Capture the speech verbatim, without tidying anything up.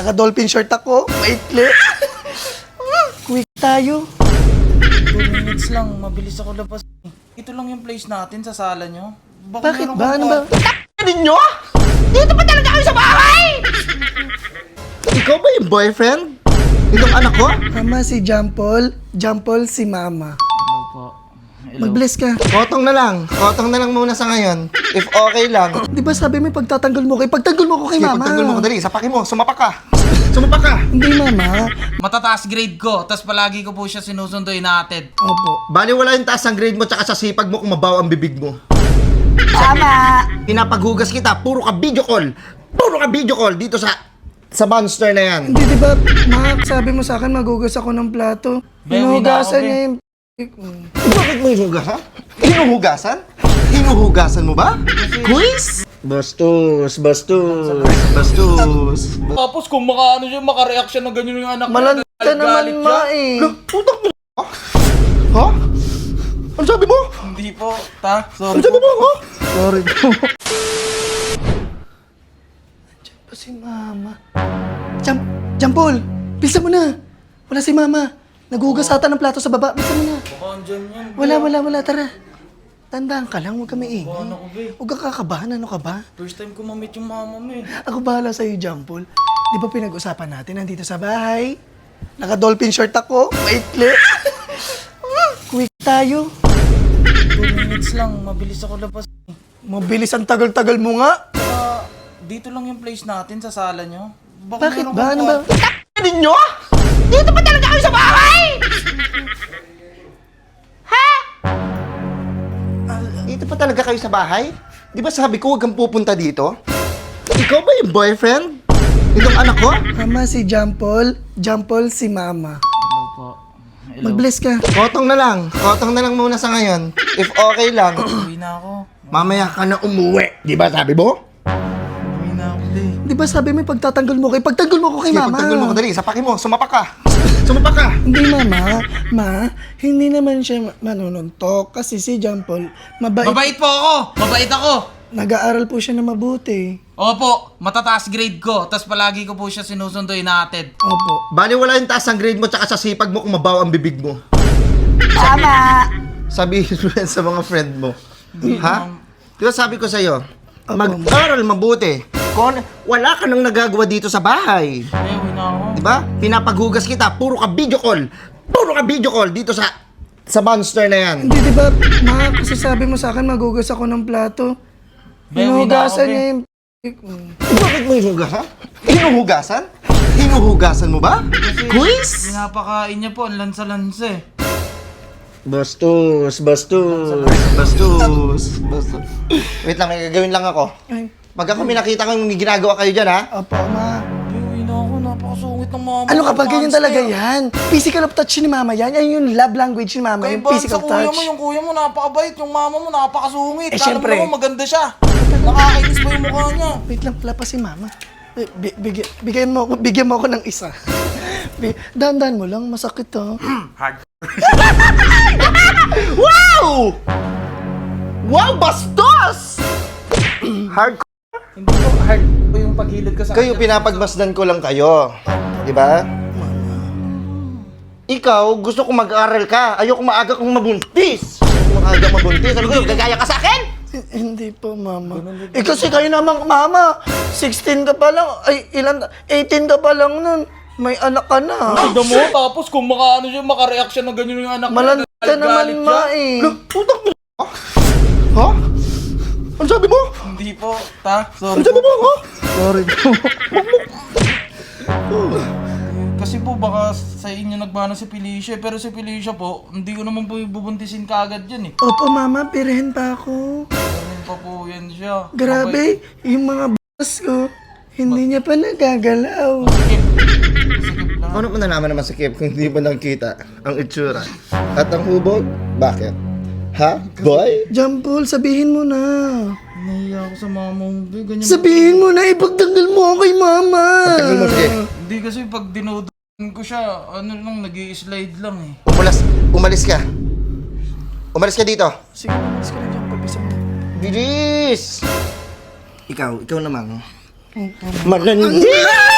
Naka-dolphin short ako. Maikli. Quick tayo. two minutes lang, mabilis ako labas. Ito lang yung place natin sa sala nyo. Bakit meron ba? kang Ano ba? kwarto? Ninyo? Dito pa talaga kayo sa bahay? Ikaw ba yung boyfriend? Itong anak ko? Mama si Jampol. Jampol si Mama. Hello po. Hello. Mag-bless ka. Kotong na lang. Kotong na lang muna sa ngayon. If okay lang. Di ba sabi mo pagtatanggol mo kay pagtanggol mo ko kay Sige, Mama. pagtanggol mo ko, dali. Sapakin mo. Sumapak ka. Sumapak ka. Hindi Mama. Matataas grade ko, tas palagi ko po siya sinusundo inaatid. Opo. Bali wala yung taas ng grade mo tsaka sa sipag mo kung mabaw ang bibig mo. Tama. Pinapaghugas kita. Puro ka video call. Puro ka video call dito sa sa monster na yan. Hindi di ba, Ma, sabi mo sa akin magugas ako ng plato. Be, Hinugasan wala niya ako, yung... Bakit mo hinugas, ha? Hinuhugasan? Hinuhugasan mo ba? Quiz? Bastos, bastos, bastos. Tapos kung makaano siya, makareact siya na ganyan yung anak ko. Malanta galit-galit naman, siya. Ma eh. Putak mo. Ha? Ano sabi mo? Hindi po, ta. Sorry Ano sabi po. mo, ha? Sorry po. Diyan pa si Mama. Jam, Jampol, bilisan mo na. Wala si Mama. Naghugas ata ng plato sa baba. Bilisan mo na. Baka andyan yan. Wala, wala, wala. Tara. Tandaan ka lang, huwag kami ingay. Ano ko, be? Huwag kang kakabahan, ano ka ba? First time ko ma-meet yung mama mo eh. Ako bahala sa'yo, Jampol. Di ba pinag-usapan natin nandito sa bahay? Naka-dolphin short ako. Maikli. Quick tayo. two minutes lang, mabilis ako labas. Mabilis ang tagal-tagal mo nga. Saka, dito lang yung place natin sa sala nyo. Baka Bakit meron ba? kang Ano ba? kwarto. Ninyo? Dito pa talaga kayo sa bahay? Ha? Dito pa talaga kayo sa bahay? Di ba sabi ko huwag kang pupunta dito? Ikaw ba yung boyfriend? Itong anak ko? Mama si Jampol. Jampol si Mama. Hello po. Hello. Mag-bless ka. Kotong na lang. Kotong na lang muna sa ngayon. If okay lang. Uwi na ako. Mamaya ka na umuwi. Di ba sabi mo? Uwi na ako, be. Di ba sabi mo pagtatanggol mo kay pagtanggol mo ko kay Sige, Mama? pagtanggol mo ko, dali. Sapakin mo. Sumapak ka. Sumapak ka. Hindi Mama. Ma, hindi naman siya ma- manununtok kasi si Jampol mabait. Mabait po ako! Mabait ako! Nag-aaral po siya na mabuti. Opo, matataas grade ko, tas palagi ko po siya sinusundo inaatid. Opo. Bali wala yung taas ng grade mo tsaka sa sipag mo kung mabaw ang bibig mo. Tama. Sabihin mo yan sa mga friend mo. Ha? Di ba sabi ko sa'yo, Opo. mag-aral mabuti. Kung wala ka nang nagagawa dito sa bahay. Eh, uwi na ako. Di ba? Pinapaghugas kita, puro ka video call. Puro ka video call dito sa sa monster na yan. Hindi di ba, Ma, kasi sabi mo sa akin magugas ako ng plato. Be, uwi na ako, Hinugasan be. niya yung... Bakit mo hinugasan? Hinuhugasan? Hinuhugasan mo ba? Quiz? Pinapakain niya po, ang lansa-lansa eh. Bastos, bastos, bastos, bastos. Wait lang, may gagawin lang ako. Ay, Pagka kung may nakita kang ginagawa kayo dyan, ha? opo, Ma. Be, uwi na ako, napakasungit ng mama. Ano ka ba? Ganyan Monster. talaga yan. Physical of touch ni Mama yan. Yan yung love language ni Mama, Kaya yung ba, physical sa kuya touch. mo, yung kuya mo napakabait, yung mama mo napakasungit. Eh, Alam syempre. mo naman, maganda siya. Nakakainis pa yung mukha niya. Wait lang, pala pa si Mama. Eh, Bi- bigyan, bigyan mo ako, bigyan mo ako ng isa. Bi- Dahan-dahan mo lang, masakit to. Wow! Wow, bastos! Hard Hindi ko hard po yung paghilid ko sa kayo, pinapagmasdan ko lang kayo. Di ba? Ikaw, gusto ko mag-aral ka. Ayoko maaga kong mabuntis. Ayoko maaga mabuntis. Ano ko, gagaya ka sa akin? Eh, Hindi po, Mama. Eh kasi kayo namang, Mama, sixteen ka pa lang, ay ilan, eighteen ka pa lang nun. May anak ka na. Tignan mo, tapos kung makaano siya, makareact siya ng ganyan yung anak mo. Malanta galit-galit naman, siya. Ma eh. Putak mo. Ha? Ano sabi mo? Hindi po, ta. Ano Sorry sabi po. mo, ha? Sorry po. Kasi po baka sa inyo nagmana si Felicia, pero si Felicia po, hindi ko naman po bubuntisin kaagad yan eh. Opo, Mama, pirihin pa ako. Ganun pa po yan siya. Grabe, yung mga boss ko, hindi niya pa nagagalaw. Sikip. Sikip lang. Ano mo nalaman naman sa Kip kung hindi mo nakita ang itsura? At ang hubog? Bakit? Ha? Boy? Jampol, sabihin mo na. Nahiya ako sa mama mo. Be, ganyan. Sabihin mo na, ipagtanggal mo ako kay Mama. Pagtagal mo, sige. Hindi kasi pag dinodoan ko siya, ano lang, nag-i-slide lang eh. Umalas, umalis ka. Umalis ka dito. Sige, umalis ka na dyan, pabisa mo. Bilis! Ikaw, ikaw naman. Manandi!